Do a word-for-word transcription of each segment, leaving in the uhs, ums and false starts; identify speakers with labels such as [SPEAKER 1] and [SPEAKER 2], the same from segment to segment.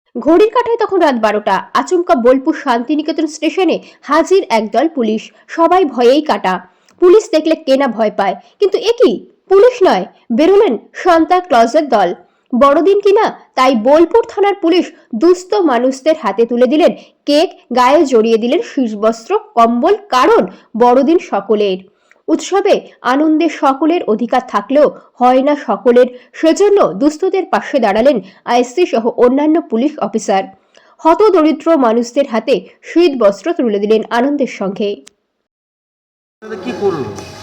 [SPEAKER 1] ঘড়ির কাঁটায় তখন রাত বারোটা। আচমকা বোলপুর শান্তিনিকেতন স্টেশনে হাজির একদল পুলিশ। সবাই ভয়েই কাটা। পুলিশ দেখলে কেনা ভয় পায়, কিন্তু এ কি, পুলিশ নয়, বেরোলেন সান্তা ক্লজের দল। বড়দিন কিনা, তাই বোলপুর থানার পুলিশ দুস্থ মানুষদের হাতে তুলে দিলেন কেক, গায়ে জড়িয়ে দিলেন শীতবস্ত্র, কম্বল, কারণ বড়দিন সকলের। উৎসবে আনন্দে সকলের অধিকার থাকলেও হয় না সকলের, সেজন্য দুস্থদের পাশে দাঁড়ালেন আইএসসি সহ অন্যান্য পুলিশ অফিসার। হতদরিদ্র মানুষদের হাতে শীত বস্ত্র তুলে দিলেন আনন্দের সঙ্গে।
[SPEAKER 2] কি করলো,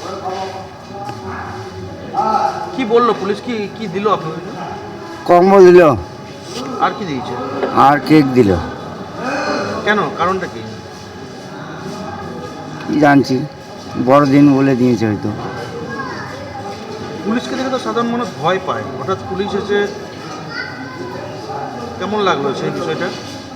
[SPEAKER 2] কি বললো পুলিশ, কি কি দিল আপনাদের?
[SPEAKER 3] কম্বল দিল
[SPEAKER 2] আর কি দিয়েছে?
[SPEAKER 3] আর কেক দিল।
[SPEAKER 2] কেন, কারণটা কি?
[SPEAKER 3] কি জানছি, বড়দিন বলে দিয়েছে হয়তো।
[SPEAKER 2] পুলিশকে দেখে তো সাধারণ মানুষ ভয় পায়, হঠাৎ পুলিশ এসে কেমন লাগলো সেই বিষয়টা?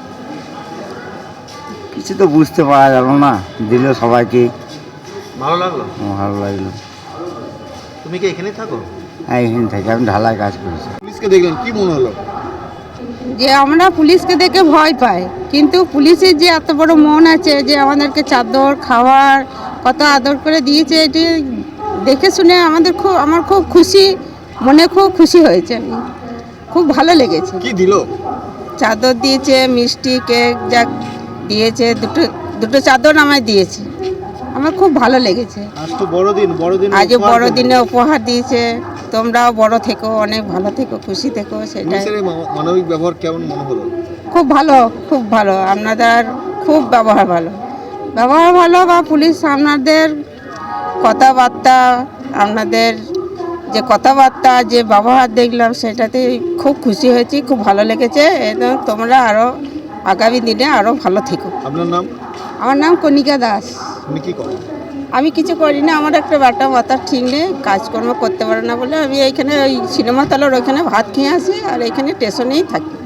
[SPEAKER 3] কিছু তো বুঝতে পারা গেল না, দিল সবাইকে।
[SPEAKER 2] ভালো লাগলো?
[SPEAKER 3] ভালো লাগলো।
[SPEAKER 2] তুমি কি এখানেই থাকো?
[SPEAKER 3] হ্যাঁ, এখানে থাকি, আমি ঢালাই কাজ করছি।
[SPEAKER 2] পুলিশকে দেখলেন, কি মনে হলো?
[SPEAKER 4] যে আমরা পুলিশকে দেখে ভয় পাই, কিন্তু পুলিশের যে এত বড় মন আছে যে আমাদেরকে চাদর, খাবার কত আদর করে দিয়েছে, এটি দেখে শুনে আমাদের খুব আমার খুব খুশি, মনে খুব খুশি হয়েছে। আমি খুব ভালো লেগেছে।
[SPEAKER 2] কি দিল?
[SPEAKER 4] চাদর দিয়েছে, মিষ্টি, কেক যা দিয়েছে, দুটো দুটো চাদর আমায় দিয়েছে। আমার খুব ভালো লেগেছে।
[SPEAKER 2] আজ তো বড়দিন, বড়দিন
[SPEAKER 4] আজ বড়দিনে উপহার দিয়েছে। তোমরাও বড় থেকো, অনেক ভালো থেকো, খুশি থেকো, সেটাই।
[SPEAKER 2] মানবিক ব্যবহার কেমন মনে হলো?
[SPEAKER 4] খুব ভালো, খুব ভালো। আপনাদের খুব ব্যবহার ভালো, ব্যবহার ভালো বা পুলিশ আপনাদের কথাবার্তা, আপনাদের যে কথাবার্তা, যে ব্যবহার দেখলাম, সেটাতে খুব খুশি হয়েছি, খুব ভালো লেগেছে। এবং তোমরা আরও আগামী দিনে আরও ভালো থেকো।
[SPEAKER 2] আপনার নাম?
[SPEAKER 4] আমার নাম কণিকা দাস।
[SPEAKER 2] আপনি কি করেন?
[SPEAKER 4] আমি কিছু করি না, আমার একটা বাটা মাথা ঠিক নেই, কাজকর্ম করতে পারে না বলে আমি এইখানে ওই সিনেমা তলার ওইখানে ভাত খেয়ে আসি, আর এইখানে স্টেশনেই থাকি।